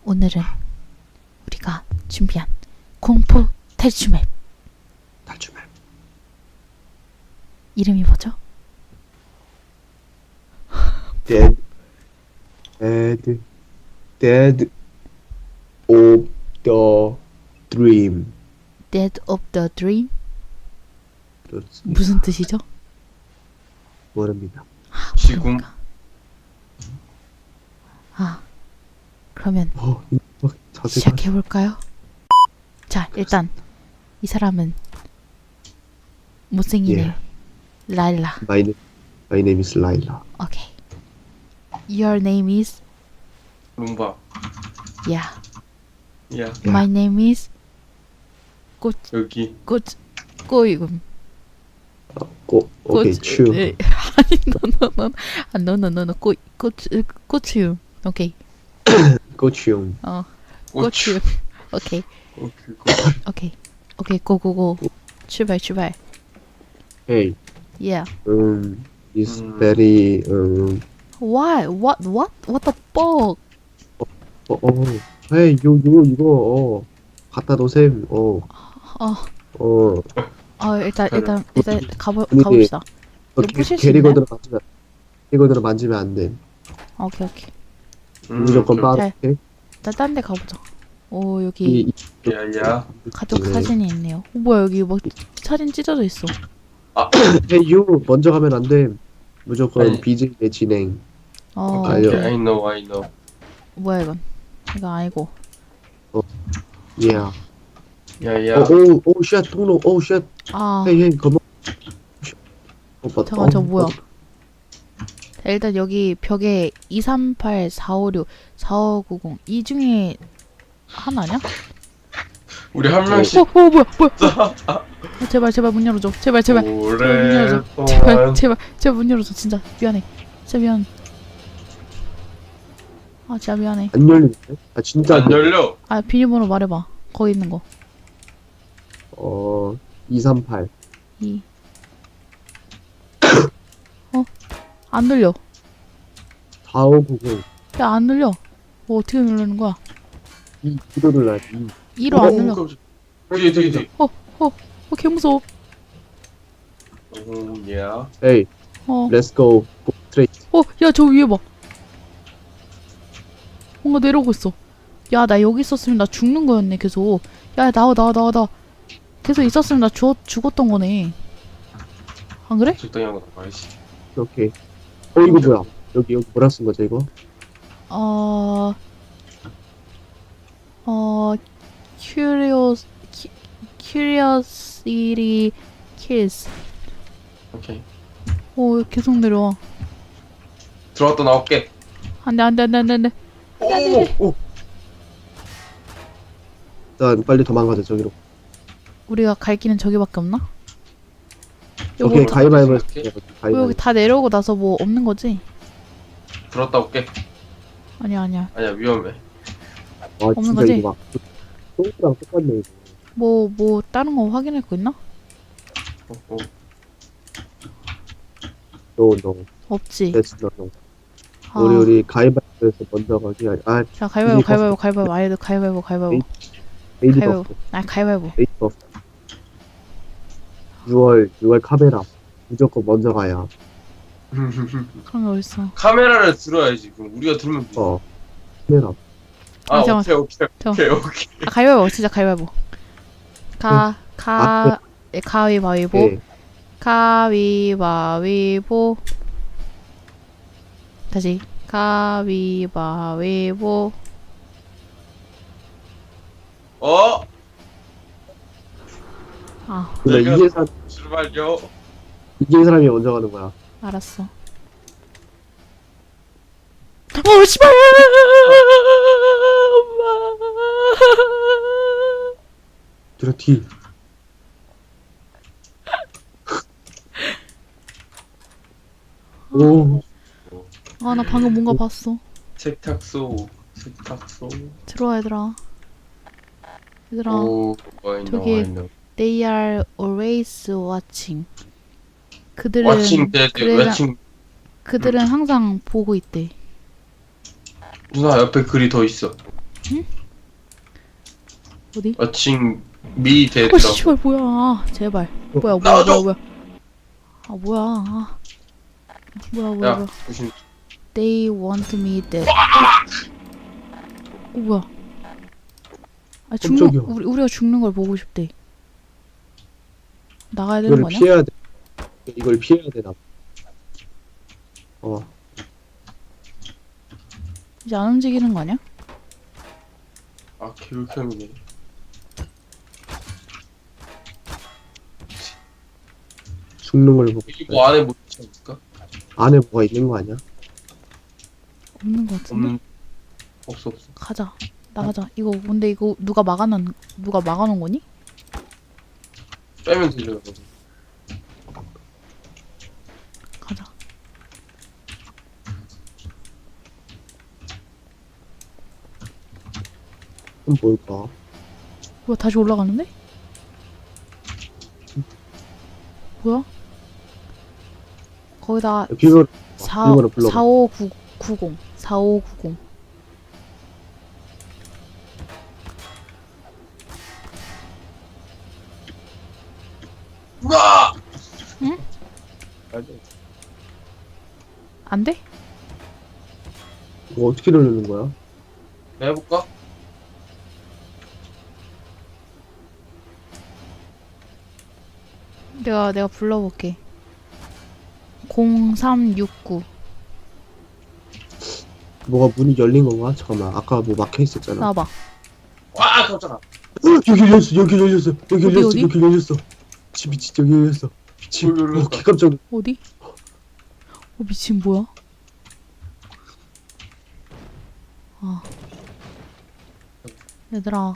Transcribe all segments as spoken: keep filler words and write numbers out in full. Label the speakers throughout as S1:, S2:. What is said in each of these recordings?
S1: 오늘은 우리가 준비한 공포 탈출맵
S2: 탈출맵.
S1: 이름이 뭐죠?
S2: Dead, dead, dead of the dream.
S1: Dead of the Dream?
S2: 그렇습니다.
S1: 무슨 뜻이죠?
S2: 모릅니다.
S1: 아,
S3: 지금
S1: 모릅니까? 아, 그러면
S2: 어, 이- 어, 자세가
S1: 시작해볼까요? 자, 일단 이 사람은 못생긴 애
S2: 예.
S1: 라일라.
S2: My name, my name is Laila.
S1: 오케이. Your name is
S3: 룸바.
S1: yeah.
S3: 야
S2: 야.
S1: My name is 꽃
S3: 여기
S1: 꽃 꼬이금.
S2: 고, 오케이, 추.
S1: 에, 아니 너너너 아 너너너너 꽃 꽃 꽃이음. 오케이.
S2: 고추용.
S1: 어
S3: 고추.
S1: 꽃이음. 오케이
S3: 오케이 고추.
S1: 오케이 오케이 고고고 출발 출발.
S2: Hey,
S1: Yeah.
S2: um, is
S3: 음.
S2: very um.
S1: Why? What? What? What the fuck?
S2: 어, 어, hey, 요, 요, 이거 어 갖다 놓으셈. 어,
S1: 어,
S2: 어.
S1: 어 일단 일단 일단 가보
S2: 분위기-
S1: 가봅시다.
S2: 어,
S1: 이거
S2: 게-
S1: 부실 수
S2: 게리건으로 만지면 게리건으로 만지면 안 돼.
S1: 오케이 오케이.
S3: 음,
S2: 무조건
S3: 그럼-
S2: 빠르게.
S1: 일단 딴 데 가보자. 오
S2: 이,
S1: 여기
S2: 이
S3: 야야.
S1: 가족
S2: 네.
S1: 사진이 있네요. 오 뭐야 여기 뭐 사진 찢어져 있어.
S2: hey, 요 먼저 가면 안 돼. 무조건
S3: 아니.
S2: 비즈의 진행.
S1: 어
S2: 아유.
S3: 오케이. I know I know.
S1: 뭐야 이건? 이거 아니고.
S2: Yeah.
S3: 야야.
S2: 어, 오, 오, 쉣, 통로, 오, 쉣.
S1: 아
S2: 헤이, 헤이, 거머. 어, 맞다.
S1: 잠깐 저
S2: 어,
S1: 뭐야?
S2: 어,
S1: 자, 일단 여기 벽에 이삼팔 사오육 사오구공 이 중에 하나냐?
S3: 우리 한
S1: 어,
S3: 명씩.
S1: 어 뭐야 뭐야? 어, 제발 제발 문 열어줘. 제발 제발. 문 열어줘.
S3: 오랫동안.
S1: 제발 제발 제발 문 열어줘. 진짜 미안해. 진짜 미안. 아 진짜 미안해.
S2: 안 열리는데? 아, 진짜.
S3: 안 열려.
S1: 아 비밀번호 말해봐. 거기 있는 거.
S2: 어, 이삼팔.
S1: 이. 어? 안 눌려.
S2: 사오구공.
S1: 야 안 눌려. 뭐 어떻게 누르는 거야?
S2: 이, 이로 눌러야지. 이.
S1: 이로 안 눌려.
S3: 여기 여기 여기.
S1: 어 개 무서워.
S3: 오 야.
S2: 헤이,
S1: 어.
S2: let's go. 스트레이트.
S1: 어, 야, 저 위에 봐. 뭔가 내려오고 있어. 야, 나 여기 있었으면 나 죽는 거였네, 계속. 야, 나와, 나와, 나와, 나와. 계속 있었으면 나 죽, 죽었던 거네. 안 그래?
S3: 적당히 하고 나가야지.
S2: 오케이. 어, 이거 뭐야? 여기, 여기 뭐라 쓴 거죠, 이거?
S1: 어, 어, curious, cu- curiosity kills.
S3: 오케이.
S1: 오, 계속 내려와.
S3: 들어갔다 나올게.
S1: 안 돼, 안 돼, 안 돼, 안 돼, 안 돼.
S3: 오 오.
S2: 일단 빨리 도망가자, 저기로.
S1: 우리가 갈 길은 저기밖에 없나? 여기
S2: 오케이,
S1: 다-
S2: 가위바위보.
S3: 생각해?
S2: 해볼게,
S1: 뭐
S2: 가위바위보.
S1: 여기 다 내려오고 나서 뭐 없는 거지?
S3: 들어갔다 올게.
S1: 아니야, 아니야.
S3: 아니야 위험해.
S2: 와,
S1: 없는
S2: 진짜
S1: 거지?
S2: 이거 막. 똥이랑 똑같네, 이거.
S1: 뭐, 뭐, 다른 거 확인할 거 있나?
S3: 오, 오.
S2: No, no.
S1: 없지.
S2: That's no, no.
S1: 아,
S2: 우리, 우리 가위바위보에서 먼저 가기. 아,
S1: 자, 가위바위보,
S2: 이게
S1: 가위바위보, 가위바위보, 아예도 가위바위보, 가위바위보.
S2: 메이드
S1: 가위바위보.
S2: 버프.
S1: 아, 가위바위보.
S2: 메이드 버프. 유월, 유월 카메라. 무조건 먼저 가야.
S1: 그런 게 어딨어.
S3: 카메라를 들어야지. 그럼 우리가 들면 돼.
S2: 어. 카메라.
S3: 아
S1: 아, 잠깐만.
S3: 오케이 오케이
S1: 잠깐만.
S3: 오케이 오케이.
S1: 아, 가위바위보, 진짜 가위바위보. 가, 가, 예, 가위바위보.
S2: 네.
S1: 가위바위보. 다시. 가위바위보.
S3: 어?
S1: 아,
S2: 근데
S3: 내가-
S2: 이게 사,
S3: 출발요.
S2: 이게 사람이 먼저 가는 거야.
S1: 알았어. 어, 씨발!
S2: 뒤로 뒤. 오,
S1: 아, 나 방금 뭔가 봤어.
S3: 세탁소 세탁소.
S1: 들어와, 얘들아. 얘들아.
S3: 오 I know
S1: 저기-
S3: I know.
S1: They are always watching. 그들은
S3: 왓칭 데드
S1: 그들은,
S3: 왓칭.
S1: 그들은 항상 보고 있대.
S3: 누나 옆에 글이 더 있어.
S1: 어디?
S3: 아칭 밑에
S1: 어
S3: 들어.
S1: 씨발 뭐야? 아, 제발. 뭐야 뭐야
S3: 나와줘!
S1: 뭐야 뭐야? 아 뭐야? 아. 뭐야 뭐야
S3: 야
S1: 뭐야?
S3: 조심.
S1: They want me dead. 어 뭐야? 아 죽는
S2: 깜짝이야.
S1: 우리 우리가 죽는 걸 보고 싶대. 나가야 되는
S2: 이걸
S1: 거냐?
S2: 피해야 돼. 이걸 피해야 되나 봐. 어.
S1: 이제 안 움직이는 거 아니야?
S3: 아 개울캠이네.
S2: 죽는 걸 보고
S3: 이거 뭐 안에 뭐 있지 않을까?
S2: 안에 뭐가 있는 거 아니야?
S1: 없는 거 같은데.
S3: 없는. 없어 없어.
S1: 가자. 나가자. 이거 근데 이거 누가 막아놓은 누가 막아놓은 거니?
S3: 빼면 되죠.
S1: 가자.
S2: 그럼 뭘까?
S1: 뭐야 다시 올라가는데? 뭐야? 거기다
S2: 비밀
S1: 사
S2: 비밀번호 불러봐.
S1: 사오구공 사오구공
S3: 우와!
S1: 응? 안 돼?
S2: 이거 어떻게 누르는 거야?
S3: 해볼까?
S1: 내가 내가 불러볼게. 공삼육구
S2: 뭐가 문이 열린 건가? 잠깐만. 아까 뭐 막혀 있었잖아.
S1: 나와봐.
S3: 와 깜짝아.
S2: 어, 여기 열렸어. 여기 열렸어. 여기
S1: 어디,
S2: 열렸어.
S1: 어디?
S2: 여기 열렸어. 집이 진짜 여기 열렸어. 집.
S3: 여기 열렸어.
S2: 어, 개 깜짝. 놀-
S1: 어디? 어 미친 뭐야? 아 얘들아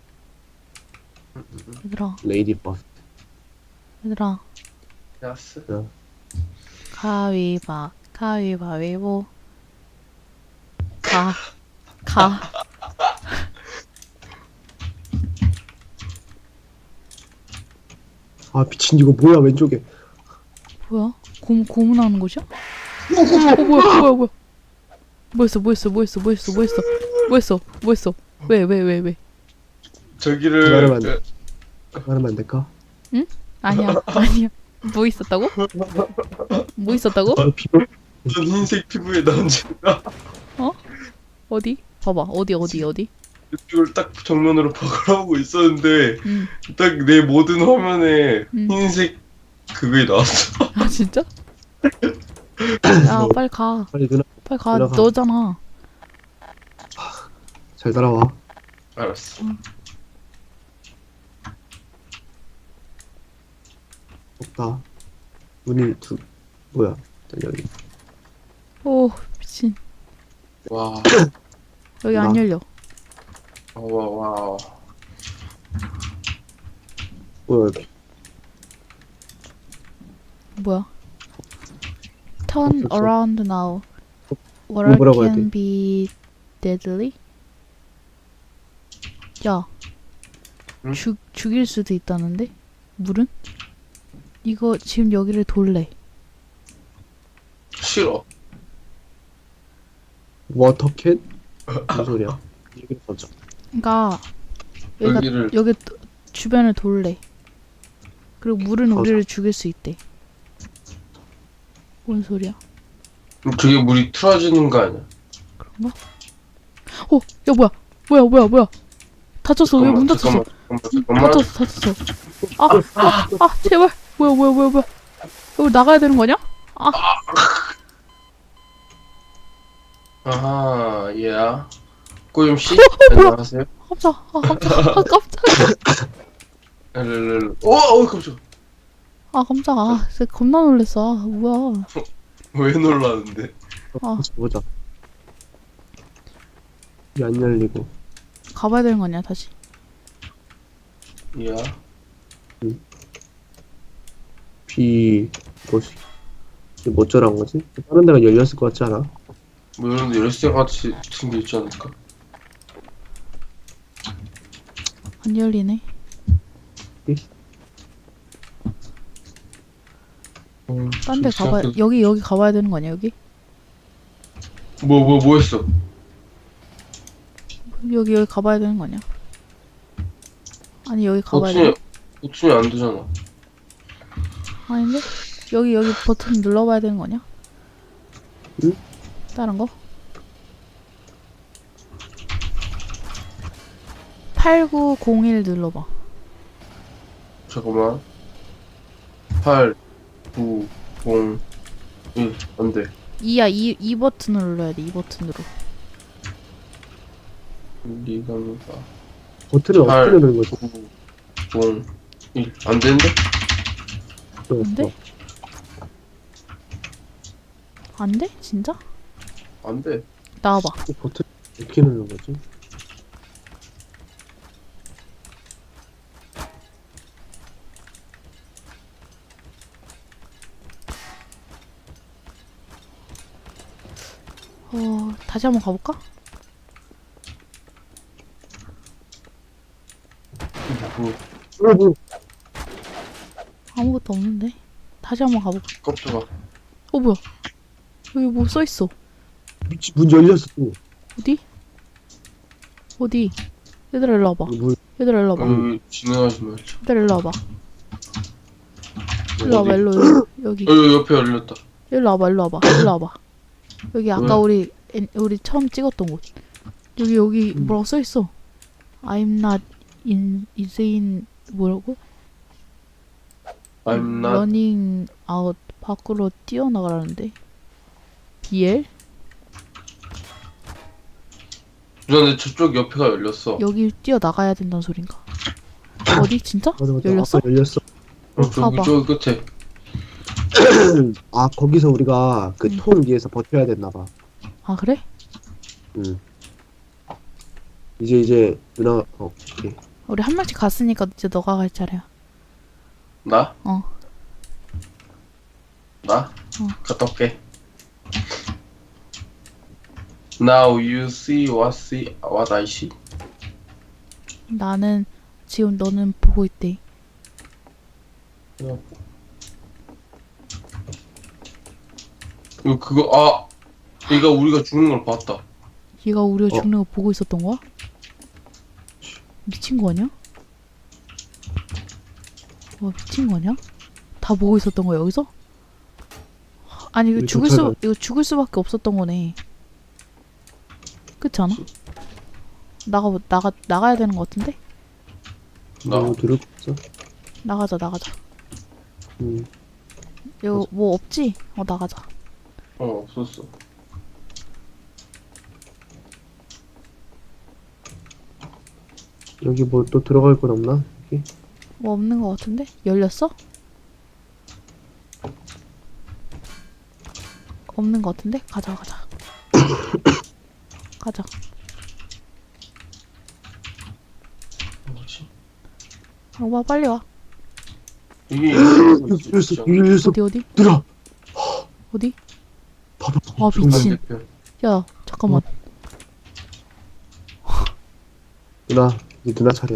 S1: 얘들아
S2: 레이디 버스.
S1: 얘들아
S3: 야스.
S1: 가위바 가위바위보 가 가.
S2: 아 미친 이거 뭐야 왼쪽에.
S1: 뭐야? 고, 고문하는 곳이야? 어 뭐야 뭐야 뭐야 뭐했어 뭐했어 뭐했어 뭐했어 뭐했어 뭐했어 뭐했어 왜 왜 왜 왜
S3: 저기를
S2: 기다려봐, 안 돼. 말하면 안 될까?
S1: 아니야 아니야 뭐 있었다고? 뭐 있었다고?
S2: 어, 비밀.
S3: 전 흰색 피부에 남자가
S1: 어디? 봐봐 어디 어디 어디?
S3: 이걸 딱 정면으로 박으라고 있었는데
S1: 응.
S3: 딱 내 모든 화면에
S1: 음.
S3: 흰색 그게 나왔어.
S1: 아 진짜? 야 빨리 가
S2: 빨리 누나
S1: 빨리 가
S2: 들어가.
S1: 너잖아.
S2: 잘 따라와.
S3: 알았어.
S2: 없다. 문이 두 뭐야? 일단 여기.
S1: 오 미친
S3: 와.
S1: 여기 안
S2: 나.
S1: 열려.
S3: 와 와.
S2: 뭐야 여기?
S1: 뭐야? Turn
S2: 없었어.
S1: around now.
S2: 뭐
S1: Water
S2: 뭐라고 해야
S1: can
S2: 돼?
S1: be deadly. 야,
S3: 응?
S1: 죽 죽일 수도 있다는데? 물은? 이거 지금 여기를 돌래.
S3: 싫어.
S2: 워터캣? 무슨 소리야? 여기를 던져.
S1: 그러니까 여기가
S3: 여기를
S1: 여기 도- 주변을 돌래. 그리고 물은
S2: 가자.
S1: 우리를 죽일 수 있대. 뭔 소리야?
S3: 그게 물이 틀어지는 거 아니야?
S1: 그런가? 어, 야 뭐야? 뭐야 뭐야 뭐야? 닫혔어. 왜 문 닫혔어?
S3: 잠깐만 잠깐만.
S1: 닫혔어 닫혔어. 아, 아, 아, 제발. 뭐야 뭐야 뭐야 뭐야? 여기 나가야 되는 거냐? 아,
S3: 아하 예. 꼬임 씨.
S1: 어, 뭐야?
S3: 안녕하세요.
S1: 깜짝, 아 깜짝, 아 깜짝,
S3: 랄랄랄. 오, 어 깜짝.
S1: 아 깜짝, 아 진짜 겁나 놀랬어. 아, 뭐야?
S3: 왜 놀라는데?
S1: 아.
S2: 다시 보자. 이게 안 열리고.
S1: 가봐야 되는 거 아니야 다시?
S3: 야.
S2: 비 뭐지? 이게 뭐 어쩌란 거지? 다른 데가 열렸을 것 같지 않아?
S3: 뭐 이런 데 열쇠 같이 같은 게 있지 않을까?
S1: 안 열리네.
S3: 음,
S1: 딴 데
S3: 좀
S1: 가봐.
S3: 생각해-
S1: 여기 여기 가봐야 되는 거 아니야 여기?
S3: 뭐, 뭐, 뭐 했어?
S1: 여기 여기 가봐야 되는 거 아니야? 아니 여기 가봐야
S3: 버튼이
S1: 돼?
S3: 버튼이 안 되잖아.
S1: 아닌데? 여기 여기 버튼 눌러봐야 되는 거 아니야?
S2: 응?
S1: 다른 거? 팔구공일 눌러봐.
S3: 잠깐만. 팔, 구, 공, 일. 안 돼.
S1: 이야 이, 이 버튼을 눌러야 돼. 이 버튼으로.
S3: 리가미가
S2: 버튼을
S3: 팔.
S2: 어떻게 누르는 거지?
S3: 구, 공, 일. 안 되는데?
S1: 안 돼? 안 돼? 진짜?
S3: 안 돼.
S1: 나와봐.
S2: 버튼 어떻게 누르는 거지?
S1: 어 다시 한번 가볼까?
S3: 뭐,
S2: 어, 뭐,
S1: 아무것도 없는데. 다시 한번 가볼까?
S3: 깜짝아.
S1: 어 뭐야? 여기 뭐 써있어?
S2: 미치, 문 열렸어 또.
S1: 어디? 어디? 얘들아 일로 와봐.
S2: 문,
S1: 얘들아 일로 와봐.
S3: 여기 진행하지 말자.
S1: 얘들아 일로 와봐. 일로 와봐
S3: 어디?
S1: 일로 일로. 여기
S3: 여기 옆에 열렸다.
S1: 일로 와봐 일로 와봐 일로 와봐. 여기 아까
S3: 왜?
S1: 우리 엔- 우리 처음 찍었던 곳. 여기 여기
S2: 음.
S1: 뭐라고 써있어? I'm not in insane 뭐라고?
S3: I'm not.
S1: running out 밖으로 뛰어나가라는데. 비엘?
S3: 그런데 저쪽 옆에가 열렸어.
S1: 여기 뛰어나가야 된다는 소린가? 어디 진짜?
S2: 맞아, 맞아.
S1: 열렸어?
S2: 아까 열렸어.
S3: 어, 저기
S1: 봐봐.
S3: 저기 끝에.
S2: 아, 거기서 우리가 그
S1: 응.
S2: 통 위에서 버텨야 됐나봐.
S1: 아 그래?
S2: 응. 이제, 이제, 누나, 어, 오케이.
S1: 우리 한 명씩 갔으니까 이제 너가 갈 차례야.
S3: 나?
S1: 어.
S3: 나?
S1: 어.
S3: 갔다 올게. Now you see what see what I see.
S1: 나는 지금 너는 보고 있대.
S3: 이거 그거 아 얘가 우리가 죽는 걸 봤다.
S1: 얘가 우리가
S2: 어.
S1: 죽는 거 보고 있었던 거야? 미친 거 아니야? 와 미친 거 아니야? 다 보고 있었던 거야 여기서? 아니 이거
S2: 우리
S1: 죽을 수
S2: 경찰관.
S1: 이거 죽을 수밖에 없었던 거네. 그렇지 않아? 나가 나가 나가야 되는 거 같은데?
S3: 나
S2: 뭐 누를 거 없어?
S1: 나가자 나가자.
S2: 응.
S1: 이거 뭐 없지? 어 나가자.
S3: 어 없었어.
S2: 여기 뭐 또 들어갈 건 없나? 여기?
S1: 뭐 없는 거 같은데? 열렸어? 없는 거 같은데? 가자 가자. 가자.
S3: 뭐지?
S1: 오빠 빨리 와.
S3: 이게
S2: 여기 열렸어, 여기 열렸어.
S1: 어디 어디?
S2: 들어!
S1: 어디?
S2: 봐봐.
S1: 아 미친.
S3: 반대편.
S1: 야 잠깐만.
S2: 누나, 이제 누나 차례야.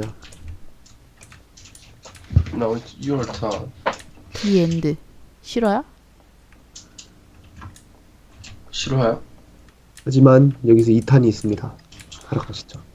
S3: Now it's your turn.
S1: 디 엔드. 싫어야?
S3: 실화야?
S2: 하지만 여기서 이 탄이 있습니다. 하러 가시죠.